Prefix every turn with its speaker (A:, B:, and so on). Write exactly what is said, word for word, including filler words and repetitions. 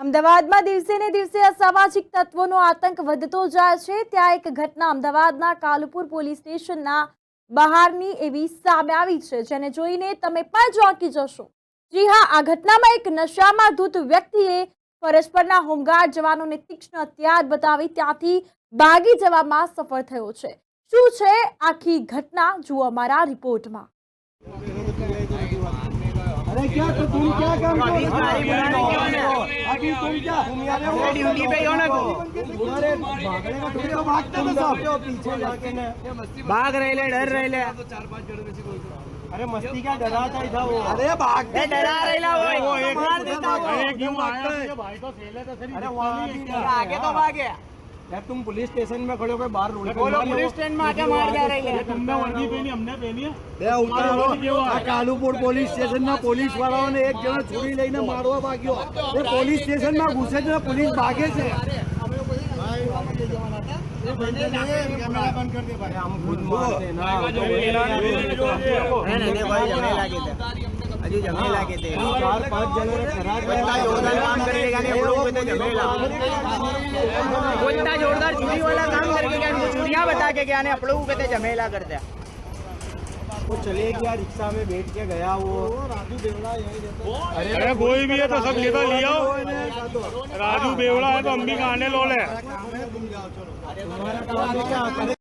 A: અમદાવાદમાં દિવસે ને દિવસે અસામાજિક તત્વોનો આતંક વધતો જાય છે। ત્યાં એક ઘટના અમદાવાદના કાલુપુર પોલીસ સ્ટેશનના બહારની એવી સામે આવી છે, જેને જોઈને તમે પણ ચોંકી જશો। જી હા, આ ઘટનામાં એક નશામાં ધૂત વ્યક્તિએ ફરજ પરના હોમગાર્ડ જવાનોને તીક્ષ્ણ હથિયાર બતાવી ત્યાંથી ભાગી જવામાં સફળ થયો છે। શું છે આખી ઘટના, જુઓ અમારા રિપોર્ટમાં।
B: अरे क्या तो तुम क्या काम कर रहे हो? अभी तुम क्या ड्यूटी पे हो ना? अरे भागने का तुम तो भागते हो सब पीछे जाके ना भाग रहे ले डर रहे ले चार पांच जन में से कोई अरे मस्ती क्या डराता था वो। अरे भागते डरा रहेला वो एक मार देता वो। अरे क्यों भागता है भाई? तो खेले तो सही। अरे वहां आगे तो भागे यार। तुम पुलिस स्टेशन में खड़े होकर बाहर रोड पे बोलो पुलिस स्टेशन में आके मार जा रही है। तुमने वर्दी पहनी, हमने पहनी है। બે ઉતારો આ કાલુપુર પોલીસ સ્ટેશનના પોલીસ વાળાઓને એક જણો છોડી લઈને મારવા ભાગ્યો। એ પોલીસ સ્ટેશનમાં ઘૂસે છે, પોલીસ ભાગે છે। कैमरा बंद कर दे भाई। हम खुद मारते ना नहीं भाई, जमे लागे थे अजी, जमे लागे थे चार पांच जने खराब जोरदार काम करेगा नहीं हम लोग पे जमेला वो इतना जोरदार चोरी वाला काम करके क्या इनको चोरियां बता के क्या ने आप लोगों पे जमेला करते हैं। वो चले गया, रिक्शा में बैठ के गया वो राजू बेवड़ा यही रहता। अरे, अरे कोई भी है तो सब लेकर लिया। राजू बेवड़ा है तो हम भी गाने लो ले। तुम्हारा काम है क्या?